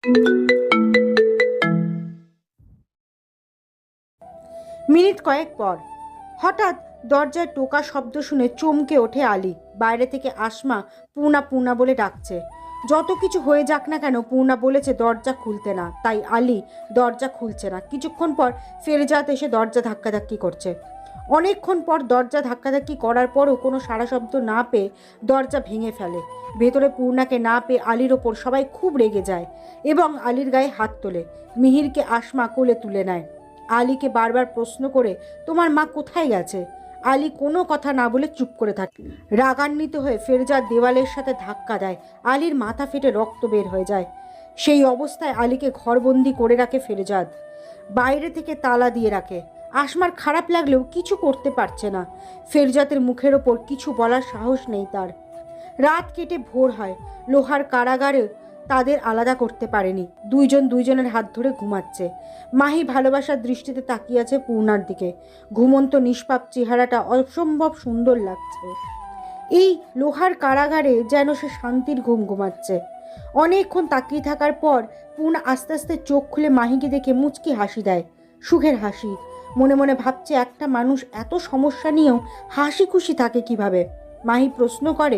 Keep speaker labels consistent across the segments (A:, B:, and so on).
A: Minute কয়েক পর হঠাৎ দরজায় টোকা শব্দ শুনে চমকে ওঠে আলী। বাইরে থেকে আসমা পূর্ণা পূর্ণা বলে ডাকছে। যত কিছু হয়ে যাক না কেন, পূর্ণা বলেছে দরজা খুলতে না, তাই আলী দরজা খুলছে না। কিছুক্ষণ পর ফেরজাদ এসে দরজা ধাক্কাধাক্কি করছে। অনেকক্ষণ পর দরজা ধাক্কাধাক্কি করার পরও কোনো সাড়া শব্দ না পেয়ে দরজা ভেঙে ফেলে। ভেতরে পূর্ণাকে না পেয়ে আলীর ওপর সবাই খুব রেগে যায় এবং আলীর গায়ে হাত তোলে। মিহিরকে আসমা কোলে তুলে নেয়। আলীকে বারবার প্রশ্ন করে, তোমার মা কোথায় গেছে? আলী কোনো কথা না বলে চুপ করে থাকে। রাগান্বিত হয়ে ফেরজাদ দেওয়ালের সাথে ধাক্কা দেয়। আলীর মাথা ফেটে রক্ত বের হয়ে যায়। সেই অবস্থায় আলীকে ঘরবন্দি করে রাখে ফেরজাদ। বাইরে থেকে তালা দিয়ে রাখে। আসমার খারাপ লাগলেও কিছু করতে পারছে না। ফেরজাদের মুখের ওপর কিছু বলার সাহস নেই তার। রাত কেটে ভোর হয়। লোহার কারাগারে তাদের আলাদা করতে পারেনি। দুইজন দুইজনের হাত ধরে ঘুমাচ্ছে। মাহি ভালোবাসার দৃষ্টিতে তাকিয়ে আছে পূর্ণার দিকে। ঘুমন্ত নিষ্পাপ চেহারাটা অসম্ভব সুন্দর লাগছে। এই লোহার কারাগারে যেন সে শান্তির ঘুম ঘুমাচ্ছে। অনেকক্ষণ তাকিয়ে থাকার পর পূর্ণা আস্তে আস্তে চোখ খুলে মাহিকে দেখে মুচকি হাসি দেয়, সুখের হাসি। মনে মনে ভাবছে একটা মানুষ এত সমস্যা নিয়েও হাসি খুশি থাকে কিভাবে। মাহি প্রশ্ন করে,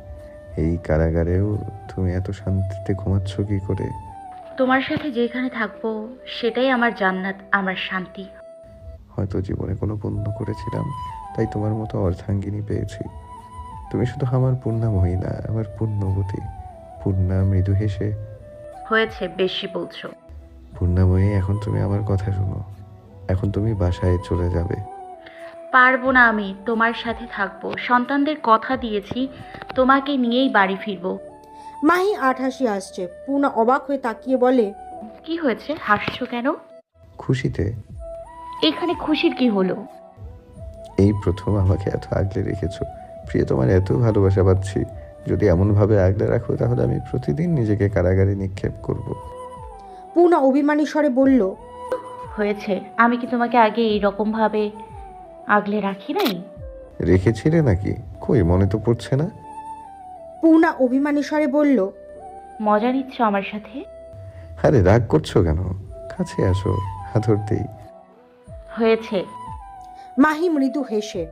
B: এই কারাগারেও তুমি এত শান্তিতে ঘুমাচ্ছ কি করে?
C: তোমার সাথে যেখানে থাকবো সেটাই আমার জান্নাত, আমার শান্তি।
B: হয়তো জীবনে কোনো পুণ্য করেছিলাম, তাই তোমার মতো অর্ধাঙ্গিনী পেয়েছি। তুমি শুধু আমার পূর্ণাময়ী না, আমার পূর্ণবতী। পূর্ণা মৃদু হেসে,
C: হয়েছে, বেশি বলছো।
B: পূর্ণাময়ী, এখন তুমি আমার কথা শোনো। এখন তুমি বাসায় চলে যাবে।
C: পারবো না, আমি তোমার সাথে থাকবো। সন্তানদের কথা দিয়েছি, তোমাকে নিয়েই বাড়ি ফিরবো।
A: মাহি আঠাশি আসছে। পূর্ণা অবাক হয়ে তাকিয়ে বলে,
C: কি হয়েছে, হাসছো কেন?
B: খুশিতে।
C: এখানে খুশির কি হলো?
B: এই প্রথম আমাকে এত আগলে রেখেছো। প্রিয়, তোমার এত ভালোবাসা পাচ্ছি। যদি এমনভাবে আগলে রাখো তাহলে আমি প্রতিদিন নিজেকে কারাগারে নিক্ষেপ করব।
A: পূর্ণা অভিমানী স্বরে বলল,
C: হয়েছে, আমি কি তোমাকে আগে এইরকম ভাবে আগলে রাখি নাই?
B: রেখেছিলে নাকি? কই, মনে তো পড়ছে না।
A: পূর্ণা অভিমানী স্বরে বলল,
C: মজা নিচ্ছ আমার সাথে?
B: আরে রাগ করছো কেন? কাছে আসো, হাতর দেই।
C: হয়েছে।
A: মাহি মৃদু হেসে।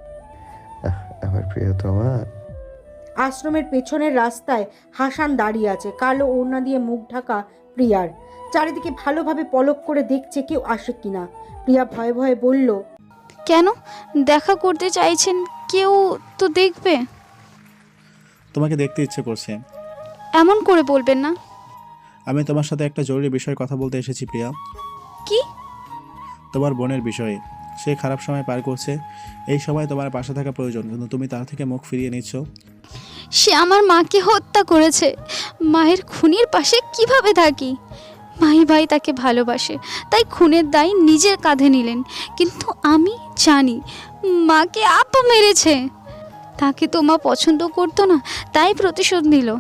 B: আমার প্রিয়তমা।
A: আশ্রমের পেছনের রাস্তায় হাসান দাঁড়িয়ে আছে। কালো ওড়না দিয়ে মুখ ঢাকা প্রিয়ার। চারিদিকে ভালোভাবে পলক করে দেখছে কেউ আসে কিনা। প্রিয়া ভয়ে ভয়ে বলল,
D: কেন দেখা করতে চাইছেন? কেউ তো দেখবে।
E: তোমাকে দেখতে ইচ্ছে করছে।
D: এমন করে বলবেন না।
E: আমি তোমার সাথে একটা জরুরি বিষয়ে কথা বলতে এসেছি প্রিয়া।
D: কি?
E: তোমার বোনের বিষয়ে। সে খারাপ সময় পার করছে। এই সময় তোমার পাশে থাকা প্রয়োজন, কিন্তু তুমি তার থেকে মুখ ফিরিয়ে নিচ্ছ।
D: সে আমার মাকে হত্যা করেছে। মায়ের খুনির পাশে কিভাবে থাকি? মাহি ভাই তাকে ভালোবাসে, তাই খুনের দায় নিজের কাঁধে নিলেন। কিন্তু আমি জানি মাকে আপা মেরেছে। তাকে তো মা পছন্দ করতো না, তাই প্রতিশোধ নিল।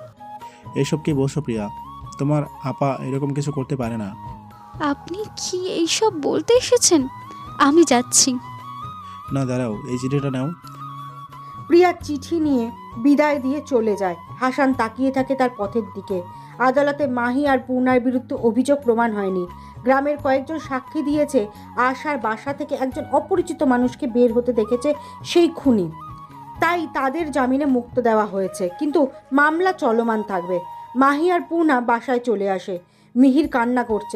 E: এসব কি বলছো প্রিয়া? তোমার আপা এরকম কিছু করতে পারে না।
D: আপনি কি এইসব বলতে এসেছেন? আমি যাচ্ছি।
E: না, দাঁড়াও, এই চিঠিটা নাও।
A: প্রিয়া চিঠি নিয়ে বিদায় দিয়ে চলে যায়। হাসান তাকিয়ে থাকে তার পথের দিকে। আদালতে মাহি আর পূর্ণার বিরুদ্ধে অভিযোগ প্রমাণ হয়নি। গ্রামের কয়েকজন সাক্ষী দিয়েছে আশার বাসা থেকে একজন অপরিচিত মানুষকে বের হতে দেখেছে সেই খুনি। তাই তাদের জামিনে মুক্ত দেওয়া হয়েছে, কিন্তু মামলা চলমান থাকবে। মাহি আর পূর্ণা বাসায় চলে আসে। মিহির কান্না করছে।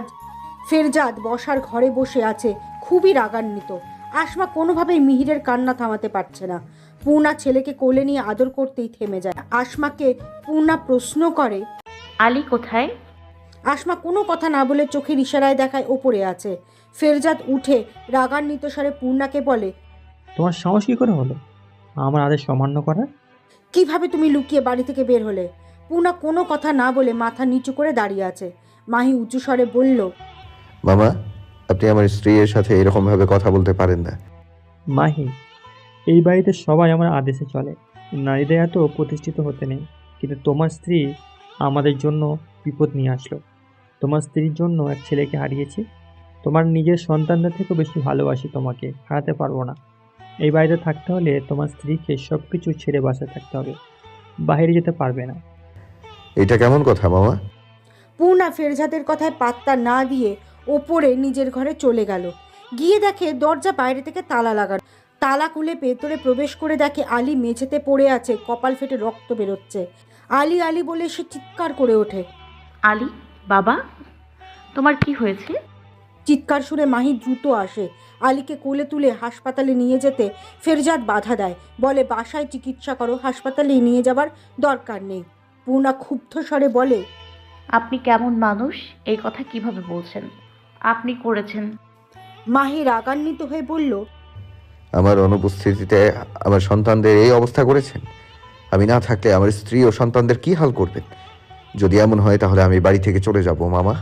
A: ফেরজাদ বসার ঘরে বসে আছে, খুবই রাগান্বিত। আসমা কোনোভাবেই মিহিরের কান্না থামাতে পারছে না। পূর্ণা ছেলেকে কোলে নিয়ে আদর করতেই থেমে যায়। আসমাকে পূর্ণা প্রশ্ন করে,
C: আলী কোথায়?
A: আসমা কোনো কথা না বলে চোখের ইশারায় দেখায় ওপরে আছে। ফেরজাদ উঠে রাগান্বিত স্বরে পূর্ণাকে বলে,
F: তোমার সাহস কী করে হলো আমার আদেশ অমান্য করার?
A: কিভাবে তুমি লুকিয়ে বাড়ি থেকে বের হলে? পূর্ণা কোনো কথা না বলে মাথা নিচু করে দাঁড়িয়ে আছে। মাহি উঁচু স্বরে বলল,
B: মামা, আপনি আমার স্ত্রীর সাথে এরকম ভাবে কথা বলতে পারেন না।
F: মাহি, এই বাড়িতে সবাই আমার আদেশে চলে। নারীদের এত প্রতিষ্ঠিত হতে নেই। কিন্তু তোমার স্ত্রী আমাদের জন্য বিপদ নিয়ে আসলো। তোমার স্ত্রীর জন্য এক ছেলেকে হারিয়েছি। তোমার নিজের সন্তানদের থেকেও বেশি ভালোবাসি তোমাকে, হারাতে পারবো না। এই বাড়িতে থাকতে হলে তোমার স্ত্রীকে সব কিছু ছেড়ে বাসায় থাকতে হবে, বাইরে যেতে পারবে না।
B: এটা কেমন কথা মামা?
A: পূর্ণা ফেরজাদের কথায় পাত্তা না দিয়ে ওপরে নিজের ঘরে চলে গেল। গিয়ে দেখে দরজা বাইরে থেকে তালা লাগানো। তালা খুলে ভেতরে প্রবেশ করে দেখে আলী মেঝেতে পড়ে আছে, কপাল ফেটে রক্ত বেরোচ্ছে। আলী আলী বলে সে চিৎকার করে ওঠে।
C: আলী, বাবা, তোমার কি হয়েছে?
A: চিৎকার শুনে মাহি দ্রুত আসে। আলীকে কোলে তুলে হাসপাতালে নিয়ে যেতে ফেরজাদ বাধা দেয়, বলে বাসায় চিকিৎসা করো, হাসপাতালে নিয়ে যাবার দরকার নেই। পূর্ণা ক্ষুব্ধ স্বরে বলে,
C: আপনি কেমন মানুষ এই কথা কিভাবে বলছেন? আপনি করেছেন।
A: মাহি রাগান্বিত হয়ে বলল,
B: আমার অনুপস্থিতিতে আমার সন্তানদের এই অবস্থা করেছেন। আমি না থাকলে আমার স্ত্রী ও সন্তানদের কি হাল করবেন? যদি এমন হয় তাহলে আমি বাড়ি থেকে চলে যাব মামা।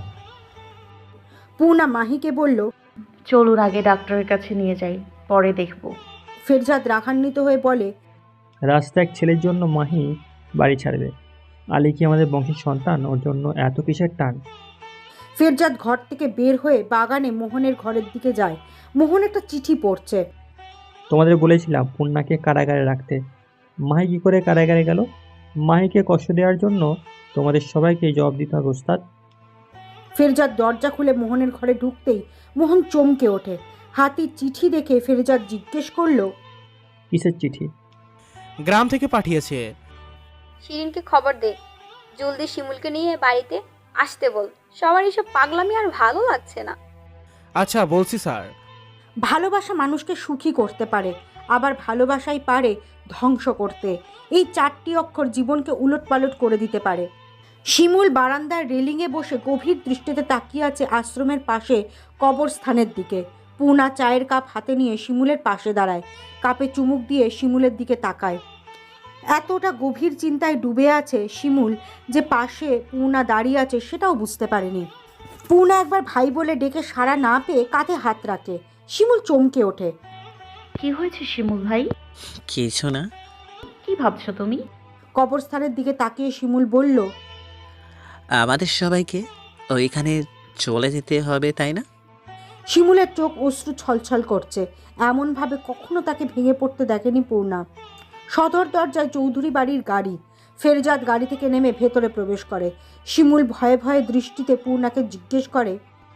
A: পূর্ণা মাহিকে বলল,
C: চলুন আগে ডাক্তারের কাছে নিয়ে যাই, পরে দেখব।
A: ফেরজাদ রাগান্বিত হয়ে বলে,
F: রাস্তা এক ছেলের জন্য মাহি বাড়ি ছাড়বে? আলী কি আমাদের বংশের সন্তান? ওর জন্য এত কিসের টান?
A: ফেরজাদ ঘর থেকে বের হয়ে বাগানে মোহনের ঘরের দিকে যায়। মোহন একটা চিঠি পড়ছে।
F: তোমাদের বলেছিলাম পূর্ণাকে কারাগারে রাখতে। মাহি কি করে কারাগারে গেল? মাহিকে কষ্ট দেওয়ার জন্য তোমাদের সবাইকে জবাব দিতে হবে ওস্তাদ।
A: ফেরজাদ দরজা খুলে মোহনের ঘরে ঢুকতেই মোহন চমকে ওঠে। হাতে চিঠি দেখে ফেরজাদ জিজ্ঞেস করলো,
F: কিসের চিঠি?
G: গ্রাম থেকে পাঠিয়েছে।
H: শিরিনকে খবর দে, জলদি শিমুলকে নিয়ে বাড়িতে আসতে বল। সবার এসব পাগলামি আর ভালো লাগছে না।
G: আচ্ছা, বলছি স্যার।
A: ভালোবাসা মানুষকে সুখী করতে পারে, আবার ভালোবাসাই পারে ধ্বংস করতে। এই 4টি অক্ষর জীবনকে উলটপালট করে দিতে পারে। শিমুল বারান্দার রেলিংয়ে বসে গভীর দৃষ্টিতে তাকিয়ে আছে আশ্রমের পাশে কবরস্থানের দিকে। পূর্ণা চায়ের কাপ হাতে নিয়ে শিমুলের পাশে দাঁড়ায়, কাপে চুমুক দিয়ে শিমুলের দিকে তাকায়। এতটা গভীর চিন্তায় ডুবে আছে শিমুল যে পাশে পূর্ণা দাঁড়িয়ে আছে সেটাও বুঝতে পারেনি। পূর্ণা একবার ভাই বলে ডেকে সাড়া না পেয়ে কাঁধে হাত রাখে। শিমুল চমকে ওঠে।
C: কি হয়েছে শিমুল ভাই?
I: কিছু না।
C: কি ভাবছো তুমি?
A: কবরস্থানের দিকে তাকিয়ে শিমুল বলল,
I: আমাদের সবাইকে ওইখানে চলে যেতে হবে, তাই না?
A: শিমুলের চোখ অশ্রু ছলছল করছে। এমনভাবে কখনো তাকে ভেঙে পড়তে দেখেনি পূর্ণা। সদর দরজায় চৌধুরী বাড়ির গাড়ি। ফেরজাদ গাড়ি থেকে নেমে ভেতরে প্রবেশ করে। শিমুল ভয়ে ভয়ে দৃষ্টিতে পূর্ণাকে জিজ্ঞেস করে,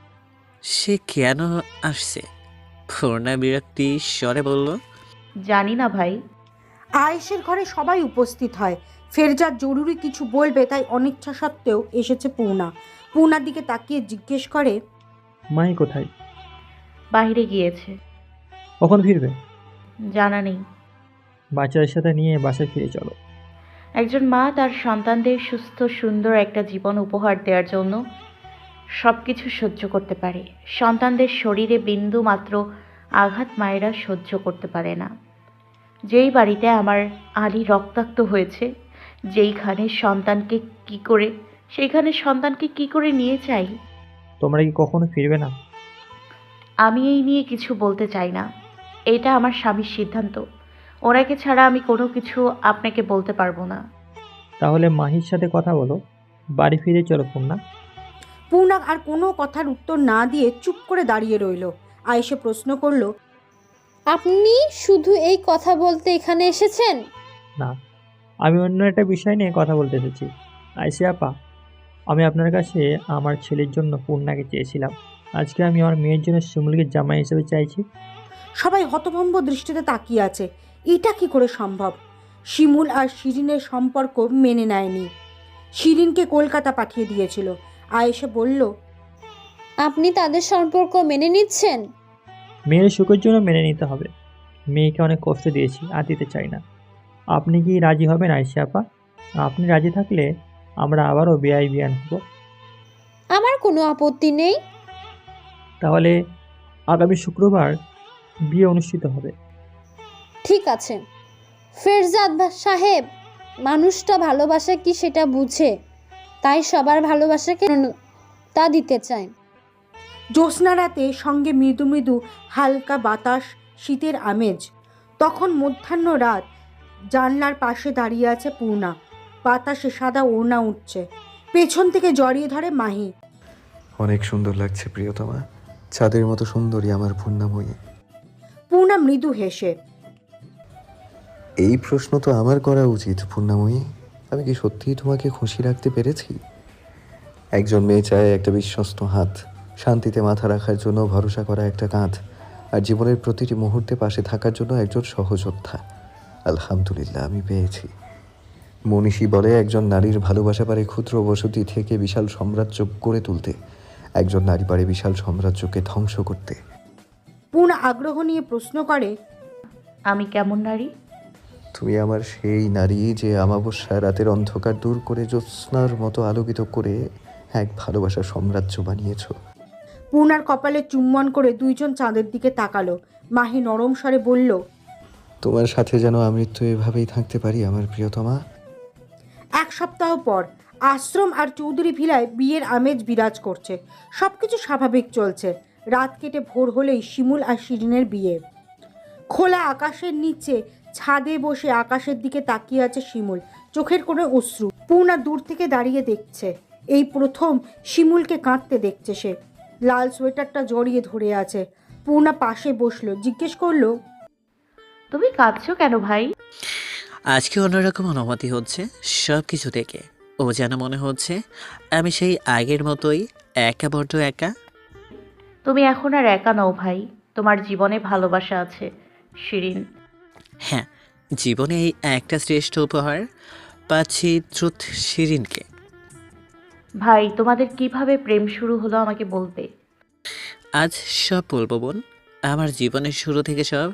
I: সে কেন আসছে? পূর্ণা বিরক্তি স্বরে বলল,
C: জানি না ভাই।
A: আয়েশের ঘরে সবাই উপস্থিত হয়। ফেরজাদ জরুরি কিছু বলবে তাই অনিচ্ছা সত্ত্বেও এসেছে পূর্ণা। পূর্ণার দিকে তাকিয়ে জিজ্ঞেস করে,
F: মাহি কোথায়?
C: বাইরে গিয়েছে।
F: কখন ফিরবে?
C: জানা নেই।
F: বাচ্চাদের সাথে নিয়ে বাসায় ফিরে চলো।
C: একজন মা তার সন্তানদের সুস্থ সুন্দর একটা জীবন উপহার দেওয়ার জন্য সব কিছু সহ্য করতে পারে। সন্তানদের শরীরে বিন্দু মাত্র আঘাত মায়েরা সহ্য করতে পারে না। যেই বাড়িতে আমার আলী রক্তাক্ত হয়েছে, সেইখানে সন্তানকে কি করে নিয়ে যাই?
F: তোমরা কি কখনো ফিরবে না?
C: আমি এই নিয়ে কিছু বলতে চাই না। এটা আমার স্বামীর সিদ্ধান্ত। ওনাকে ছাড়া আমি কোনো কিছু আপনাকে বলতে পারবো না।
F: তাহলে মাহির সাথে কথা বলো, বাড়ি ফিরে চলো পূর্ণা।
A: পূর্ণা আর কোনো কথার উত্তর না দিয়ে চুপ করে দাঁড়িয়ে রইল। আয়েশে প্রশ্ন করলো,
H: আপনি শুধু এই কথা বলতে এখানে এসেছেন?
F: না, আমি অন্য একটা বিষয় নিয়ে কথা বলতে এসেছি। আইসি আপা, আমি আপনার কাছে আমার ছেলের জন্য পূর্ণাকে চেয়েছিলাম। আজকে আমি আমার মেয়ের জন্য শিমুলকে জামাই হিসেবে চাইছি।
A: সবাই হতভম্ব দৃষ্টিতে তাকিয়ে আছে। এটা কি করে সম্ভব? শিমুল আর শিরিনের সম্পর্ক মেনে নেয়নি। শিরিনকে কলকাতা পাঠিয়ে দিয়েছিল। আয়েশে বলল,
H: আপনি তাদের সম্পর্ক মেনে নিচ্ছেন?
F: মেয়ের সুখের জন্য মেনে নিতে হবে। মেয়েকে অনেক কষ্ট দিয়েছি, আর দিতে চাই না। আপনি কি রাজি হবেন আইসি আপা? আপনি রাজি থাকলে আমরা আবারও বিয়ান হব।
H: আমার কোনো আপত্তি নেই।
F: তাহলে আগামী শুক্রবার বিয়ে অনুষ্ঠিত হবে।
H: ঠিক আছে। ফেরজাদ সাহেব, মানুষটা ভালোবাসা কি সেটা বুঝে, তাই সবার ভালোবাসাকে তা দিতে চায়।
A: জ্যোৎস্না রাতে সঙ্গে মৃদু মৃদু হালকা বাতাস, শীতের আমেজ। তখন মধ্যাহ্ন রাত। জানলার পাশে দাঁড়িয়ে আছে পূর্ণা। বাতাসে সাদা ওড়না উঠছে। পেছন থেকে জড়িয়ে ধরে মাহি।
B: অনেক সুন্দর লাগছে প্রিয়তমা, চাঁদের মতো সুন্দরী আমার পূর্ণাময়ী।
A: পূর্ণা মৃদু হেসে,
B: এই প্রশ্ন তো আমার করা উচিত পূর্ণাময়ী। আমি কি সত্যিই তোমাকে খুশি রাখতে পেরেছি? একজন মেয়ে চায় একটা বিশ্বস্ত হাত, শান্তিতে মাথা রাখার জন্য ভরসা করা একটা কাঁধ, আর জীবনের প্রতিটি মুহূর্তে পাশে থাকার জন্য একজন সহযোদ্ধা। আলহামদুলিল্লাহ, আমি পেয়েছি। মনীষী বলে একজন নারীর ভালোবাসা পারে ক্ষুদ্র বসতি থেকে বিশাল সাম্রাজ্য গড়ে তুলতে, একজন নারী পারে বিশাল সাম্রাজ্যকে ধ্বংস করতে।
A: পূর্ণা আগ্রহ নিয়ে প্রশ্ন করে,
C: আমি কেমন নারী?
B: তুমি আমার সেই নারী যে অমাবস্যা রাতের অন্ধকার দূর করে জ্যোৎস্নার মতো আলোকিত করে এক ভালোবাসার সাম্রাজ্য বানিয়েছ।
A: পূর্ণার কপালে চুম্বন করে দুইজন চাঁদের দিকে তাকালো। মাহি নরম স্বরে বলল,
B: তোমার সাথে যেন আমৃত্যু এভাবেই থাকতে পারি আমার প্রিয়তমা।
A: এক সপ্তাহ পর আশ্রম আর চৌধুরী ভিলায় বিয়ের আমেজ বিরাজ করছে। সবকিছু স্বাভাবিক চলছে। রাত কেটে ভোর হলেই শিমুল আর শিরিনের বিয়ে। খোলা আকাশের নিচে ছাদে বসে আকাশের দিকে তাকিয়ে আছে শিমুল, চোখের কোনো অশ্রু। পূর্ণা দূর থেকে দাঁড়িয়ে দেখছে। এই প্রথম শিমুলকে কাঁদতে দেখছে সে। লাল সোয়েটারটা জড়িয়ে ধরে আছে। পূর্ণা পাশে বসলো, জিজ্ঞেস করলো,
C: তুমি কাঁদছো কেন ভাই?
I: আজকে অন্যরকম অনুভূতি হচ্ছে সব কিছু থেকে। ও যেন মনে হচ্ছে আমি সেই আগের মতোই একা, বড্ড একা।
C: তুমি এখন আর একা নও ভাই, তোমার জীবনে ভালোবাসা আছে শিরিন।
I: হ্যাঁ, জীবনে এই একটা শ্রেষ্ঠ উপহার পাচ্ছি, ট্রুথ শিরিনকে।
C: ভাই, তোমাদের কিভাবে প্রেম শুরু হলো আমাকে বলবে?
I: আজ সব বলবো বোন, আমার জীবনের শুরু থেকে সব।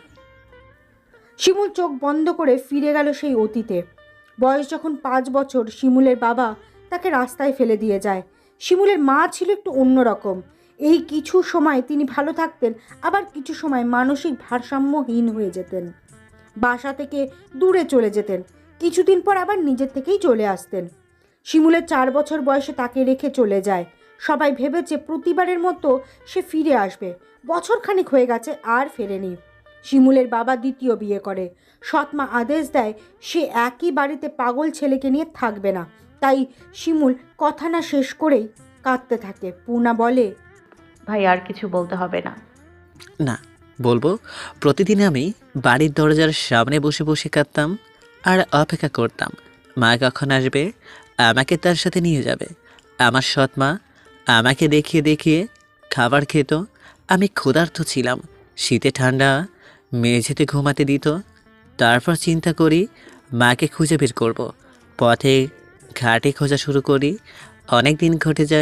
A: শিমুল চোখ বন্ধ করে ফিরে গেল সেই অতীতে। বয়স যখন 5 বছর, শিমুলের বাবা তাকে রাস্তায় ফেলে দিয়ে যায়। শিমুলের মা ছিল একটু অন্যরকম। এই কিছু সময় তিনি ভালো থাকতেন, আবার কিছু সময় মানসিক ভারসাম্যহীন হয়ে যেতেন। বাসা থেকে দূরে চলে যেতেন, কিছুদিন পর আবার নিজের থেকেই চলে আসতেন। শিমুলের 4 বছর বয়সে তাকে রেখে চলে যায়। সবাই ভেবেছে প্রতিবারের মতো সে ফিরে আসবে। বছরখানেক হয়ে গেছে, আর ফেরেনি। শিমুলের বাবা দ্বিতীয় বিয়ে করে। সৎমা আদেশ দেয় সে একই বাড়িতে পাগল ছেলেকে নিয়ে থাকবে না। তাই শিমুল কথা না শেষ করেই কাঁদতে থাকে। পূর্ণা বলে,
C: ভাই, আর কিছু বলতে হবে না।
I: না, বলবো। প্রতিদিন আমি বাড়ির দরজার সামনে বসে বসে কাঁদতাম আর অপেক্ষা করতাম মা কখন আসবে, আমাকে তার সাথে নিয়ে যাবে। আমার সৎ মা আমাকে দেখিয়ে দেখিয়ে খাবার খেত। আমি ক্ষুধার্ত ছিলাম, শীতে ঠান্ডা মেঝেতে ঘুমাতে দিত। তারপর চিন্তা করি মাকে খুঁজে বের করব। পথে ঘাটে খোঁজা শুরু করি। অনেক দিন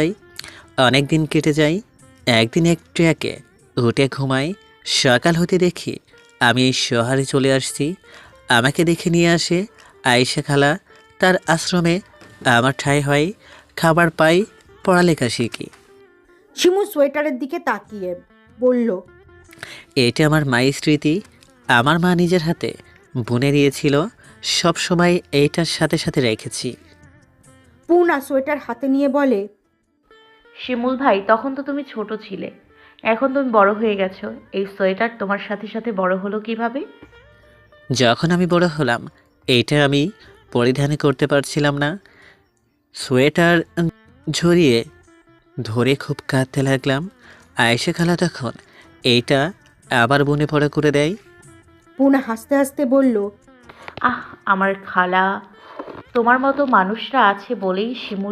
I: কেটে যায়। একদিন এক ট্র্যাকে উঠে ঘুমাই। সকাল হতে দেখি আমি এই শহরে চলে আসছি। আমাকে দেখে নিয়ে আসে আয়েশা খালা। তার আশ্রমে আমার ঠাঁই হয়, খাবার পাই, পড়ালেখা শিখি।
A: শিমুল সোয়েটারের দিকে তাকিয়ে বলল,
I: এটা আমার মায়ের স্মৃতি। আমার মা নিজের হাতে বুনে দিয়েছিল, সব সময় এইটার সাথে সাথে রেখেছি।
A: পূর্ণা সোয়েটার হাতে নিয়ে বলে,
C: শিমুল ভাই, তখন তো তুমি ছোট ছিলে, এখন তুমি বড় হয়ে গেছো। এই সোয়েটার তোমার সাথে সাথে বড় হলো কিভাবে?
I: যখন আমি বড় হলাম, এইটা আমি পরিধান করতে পারছিলাম না। সোয়েটার ঝরিয়ে ধরে খুব কাঁদতে লাগলাম। আয়েশা খালা তখন এইটা আবার বুনে পড়া করে দেয়।
A: পূর্ণা হাসতে হাসতে বলল,
C: আহ, আমার খালা, তোমার মতো মানুষরা আছে বলেই শিমুল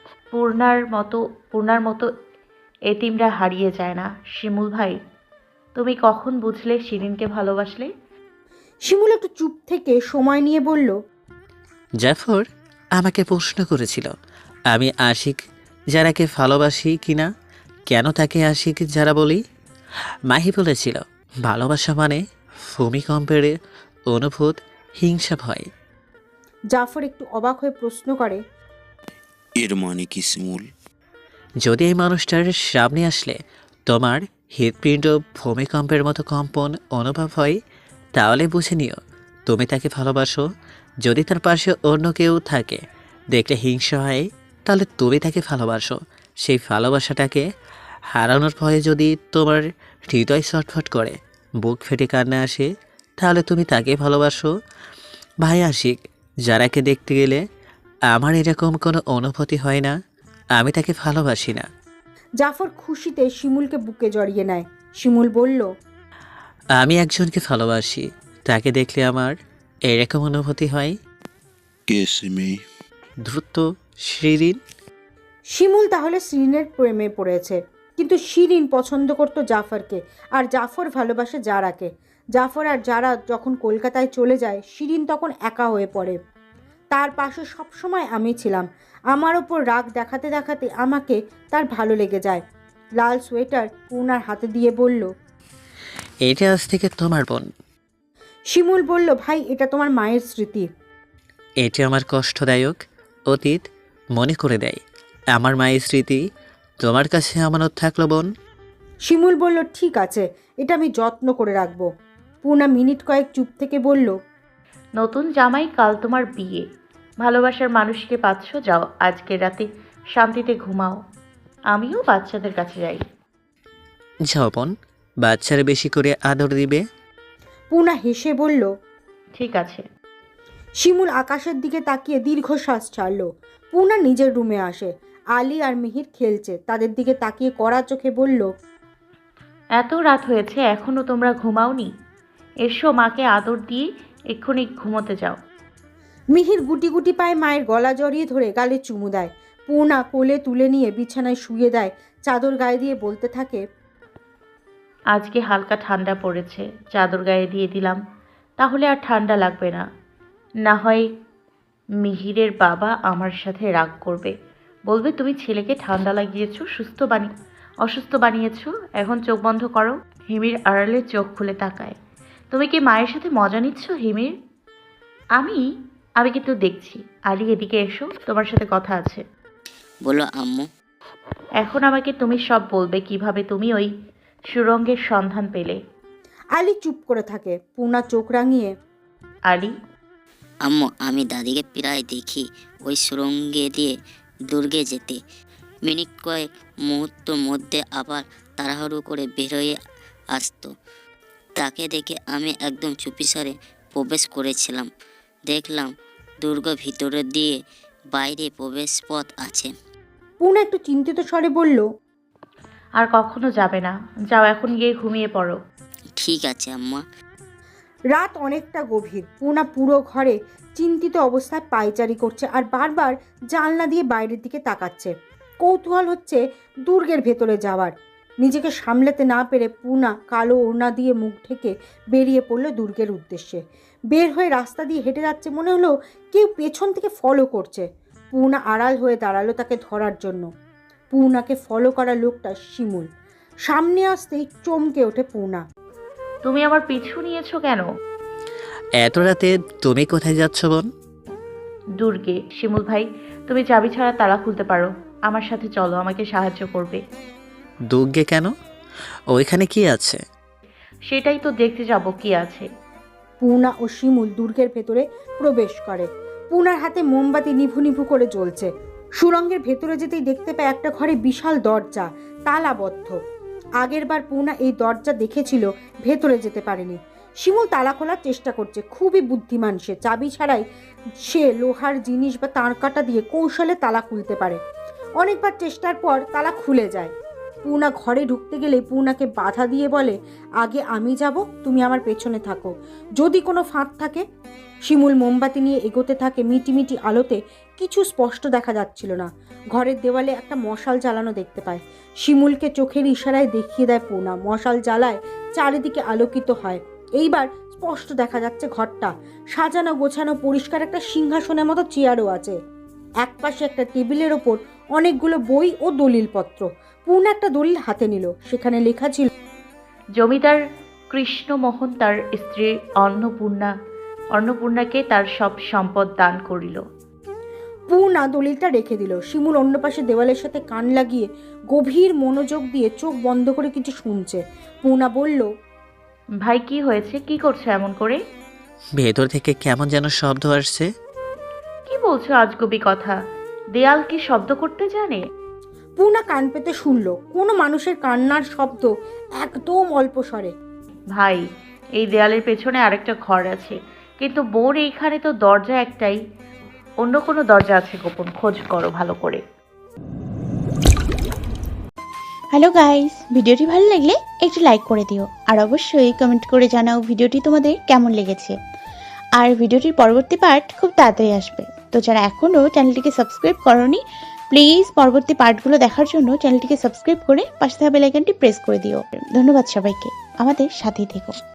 C: পূর্ণার মতো এতিমরা হারিয়ে যায় না। শিমুল ভাই, তুমি কখন বুঝলে শিরিনকে ভালোবাসলে?
A: শিমুল একটু চুপ থেকে সময় নিয়ে বলল,
I: জাফর আমাকে প্রশ্ন করেছিল আমি আশিক যারাকে ভালোবাসি কিনা, কেন তাকে আশিক যারা বলি। মাহি বলেছিল ভালোবাসা মানে ভূমিকম্পের অনুভূত, হিংসা ভয়।
A: জাফর একটু অবাক হয়ে প্রশ্ন করে,
J: এর মানে কি শিমুল?
I: যদি এই মানুষটার সামনে আসলে তোমার হৃৎপিণ্ড ভূমিকম্পের মতো কম্পন অনুভব হয়, তাহলে বুঝে নিও তুমি তাকে ভালোবাসো। যদি তার পাশে অন্য কেউ থাকে দেখলে হিংসা হয়, তাহলে তুমি তাকে ভালোবাসো। সেই ভালোবাসাটাকে হারানোর ভয়ে যদি তোমার হৃদয় ছটফট করে, বুক ফেটে কান্না আসে, তাহলে তুমি তাকে ভালোবাসো। ভাই আশিক যারাকে দেখতে গেলে আমার এরকম কোনো অনুভূতি হয় না, আমি তাকে ভালোবাসি না।
A: জাফর খুশিতে শিমুলকে বুকে জড়িয়ে নেয়। শিমুল বলল,
I: আমি একজনকে ভালোবাসি, তাকে দেখলে আমার এরকম অনুভূতি হয়।
J: কে সে মেয়ে?
I: দ্রুত শিরিন।
A: শিমুল তাহলে শিরিনের প্রেমে পড়েছে, কিন্তু শিরিন পছন্দ করতো জাফরকে, আর জাফর ভালোবাসে জারাকে। জাফর আর জারা যখন কলকাতায় চলে যায়, শিরিন তখন একা হয়ে পড়ে। তার পাশে সবসময় আমি ছিলাম। আমার ওপর রাগ দেখাতে দেখাতে আমাকে তার ভালো লেগে যায়। লাল সোয়েটার পূর্ণার হাতে দিয়ে বলল,
I: এটা আজ থেকে তোমার বোন।
A: শিমুল বলল, ভাই এটা তোমার মায়ের স্মৃতি।
I: এটা আমার কষ্টদায়ক অতীত মনে করে দেয়। আমার মায়ের স্মৃতি তোমার কাছে আমানত থাকলো বোন।
A: শিমুল বলল, ঠিক আছে, এটা আমি যত্ন করে রাখবো। পূর্ণা মিনিট কয়েক চুপ থেকে বলল,
C: নতুন জামাই, কাল তোমার বিয়ে। ভালোবাসার মানুষকে পাচ্ছ, যাও আজকের রাতে শান্তিতে ঘুমাও। আমিও বাচ্চাদের কাছে যাই।
I: যাও বোন, বাচ্চারা বেশি করে আদর দিবে।
A: পূর্ণা হেসে বলল,
C: ঠিক আছে।
A: শিমুল আকাশের দিকে তাকিয়ে দীর্ঘশ্বাস ছাড়ল। পূর্ণা নিজের রুমে আসে। আলী আর মিহির খেলছে। তাদের দিকে তাকিয়ে কড়া চোখে বলল,
C: এত রাত হয়েছে এখনো তোমরা ঘুমাওনি? এসো, মাকে আদর দিয়ে এক্ষুনি ঘুমোতে যাও।
A: মিহির গুটি গুটি পায়ে মায়ের গলা জড়িয়ে ধরে গালে চুমু দেয়। পূর্ণা কোলে তুলে নিয়ে বিছানায় শুয়ে দেয়, চাদর গায়ে দিয়ে বলতে থাকে,
C: আজকে হালকা ঠান্ডা পড়েছে, চাদর গায়ে দিয়ে দিলাম, তাহলে আর ঠান্ডা লাগবে না। না হয় মিহিরের বাবা আমার সাথে রাগ করবে, বলবে তুমি ছেলেকে ঠান্ডা লাগিয়েছো, অসুস্থ বানিয়েছো। এখন চোখ বন্ধ করো। হিমির আড়ালে চোখ খুলে তাকায়। তুমি কি মায়ের সাথে মজা নিচ্ছ হিমির? আমি কিন্তু দেখছি। আলী, এদিকে এসো, তোমার সাথে কথা আছে।
K: বলো আম্মু।
C: এখন আমাকে তুমি সব বলবে, কিভাবে তুমি ওই সুরঙ্গের সন্ধান পেলে।
A: আলী চুপ করে থাকে। পূর্ণা চোখ রাঙিয়ে,
C: আলী,
K: আম্মু, আমি দাদিকে প্রায় দেখি ওই সুরঙ্গে দিয়ে দুর্গে যেতে। মিনিট কয়েক মুহূর্তের মধ্যে আবার তাড়াহুড়ো করে বেরোয় আসতো। তাকে দেখে আমি একদম চুপিসারে প্রবেশ করেছিলাম। দেখলাম দুর্গ ভিতরে দিয়ে বাইরে প্রবেশ পথ আছে।
A: পূর্ণা একটু চিন্তিত স্বরে বলল,
C: আর কখনো যাবে না, যাও এখন গিয়ে ঘুমিয়ে পড়ো।
K: ঠিক আছে আম্মা।
A: রাত অনেকটা গভীর। পূর্ণা পুরো ঘরে চিন্তিত অবস্থায় পায়চারি করছে আর বারবার জানলা দিয়ে বাইরের দিকে তাকাচ্ছে। কৌতূহল হচ্ছে দুর্গের ভেতরে যাওয়ার। নিজেকে সামলাতে না পেরে পূর্ণা কালো ওড়না দিয়ে মুখ ঢেকে বেরিয়ে পড়ল দুর্গের উদ্দেশ্যে। বের হয়ে রাস্তা দিয়ে হেঁটে যাচ্ছে, মনে হলো কেউ পেছন থেকে ফলো করছে। পূর্ণা আড়াল হয়ে দাঁড়ালো তাকে ধরার জন্য। পূর্ণাকে ফলো করা লোকটা শিমুল। সামনে আসতেই চমকে ওঠে পূর্ণা।
C: তুমি আমার পিছু নিয়েছো কেন?
I: এত রাতে তুমি কোথায় যাচ্ছ বোন?
C: দুর্গে। শিমুল ভাই, তুমি চাবি ছাড়া তালা খুলতে পারো, আমার সাথে চলো, আমাকে সাহায্য করবে।
I: দুর্গে কেন? ওইখানে কি আছে?
C: সেটাই তো দেখতে যাব কি আছে।
A: পূর্ণা ও শিমুল দুর্গের ভেতরে প্রবেশ করে। পূর্ণার হাতে মোমবাতি নিভু নিভু করে জ্বলছে। সুড়ঙ্গের ভেতরে যেতেই দেখতে পায় একটা ঘরে বিশাল দরজা, তালাবদ্ধ। আগেরবার পূর্ণা এই দরজা দেখেছিল, ভেতরে যেতে পারেনি। শিমুল তালা খোলার চেষ্টা করছে। খুবই বুদ্ধিমান সে। চাবি ছাড়াই সে লোহার জিনিস বা তারকাটা দিয়ে কৌশলে তালা খুলতে পারে। অনেকবার চেষ্টার পর তালা খুলে যায়। পূর্ণা ঘরে ঢুকতে গেলে পূর্ণাকে বাধা দিয়ে বলে, আগে আমি যাব, তুমি আমার পেছনে থাকো, যদি কোনো ফাঁক থাকে। শিমুল মোমবাতি নিয়ে এগোতে থাকে। মিটিমিটি আলোতে কিছু স্পষ্ট দেখা যাচ্ছিল না। ঘরের দেওয়ালে একটা মশাল জ্বালানো দেখতে পায়। শিমুলকে চোখের ইশারায় দেখিয়ে দেয় পূর্ণা। মশাল জ্বালায় চারিদিকে আলোকিত হয়। এইবার স্পষ্ট দেখা যাচ্ছে ঘরটা সাজানো গোছানো, পরিষ্কার। একটা সিংহাসনের মতো চেয়ারও আছে। একপাশে একটা টেবিলের ওপর অনেকগুলো বই ও দলিলপত্র। পূর্ণা একটা দলিল হাতে নিল। সেখানে লেখা ছিল,
C: জমিদার কৃষ্ণমোহন তার স্ত্রী অন্নপূর্ণাকে তার সব সম্পদ দান করিল।
A: পূর্ণা দলিলটা রেখে দিল। শিমুল অন্য পাশে দেওয়ালের সাথে কান লাগিয়ে গভীর মনোযোগ দিয়ে চোখ বন্ধ করে কিছু শুনছে। পূর্ণা বলল,
C: ভাই কি হয়েছে? কি করছো এমন করে?
I: ভেতর থেকে কেমন যেন শব্দ আসছে।
C: কি বলছো আজগুবি কথা? দেয়াল কি শব্দ করতে জানে?
A: পূর্ণা কান পেতে শুনল কোনো মানুষের কান্নার শব্দ, একদম অল্প স্বরে।
C: ভাই, এই দেয়ালের পেছনে আরেকটা ঘর আছে, কিন্তু বোর এইখানে তো দরজা একটাই। অন্য কোনো দরজা আছে গোপন, খোঁজ করো ভালো করে।
L: হ্যালো গাইস, ভিডিওটি ভালো লাগলে একটু লাইক করে দিও, আর অবশ্যই কমেন্ট করে জানাও ভিডিওটি তোমাদের কেমন লেগেছে। আর ভিডিওটির পরবর্তী পার্ট খুব তাড়াতাড়ি আসবে, তো যারা এখনও চ্যানেলটিকে সাবস্ক্রাইব করোনি প্লিজ পরবর্তী পার্টগুলো দেখার জন্য চ্যানেলটিকে সাবস্ক্রাইব করে পাশে থাকা বেল আইকনটি প্রেস করে দিও। ধন্যবাদ সবাইকে, আমাদের সাথেই থেকো।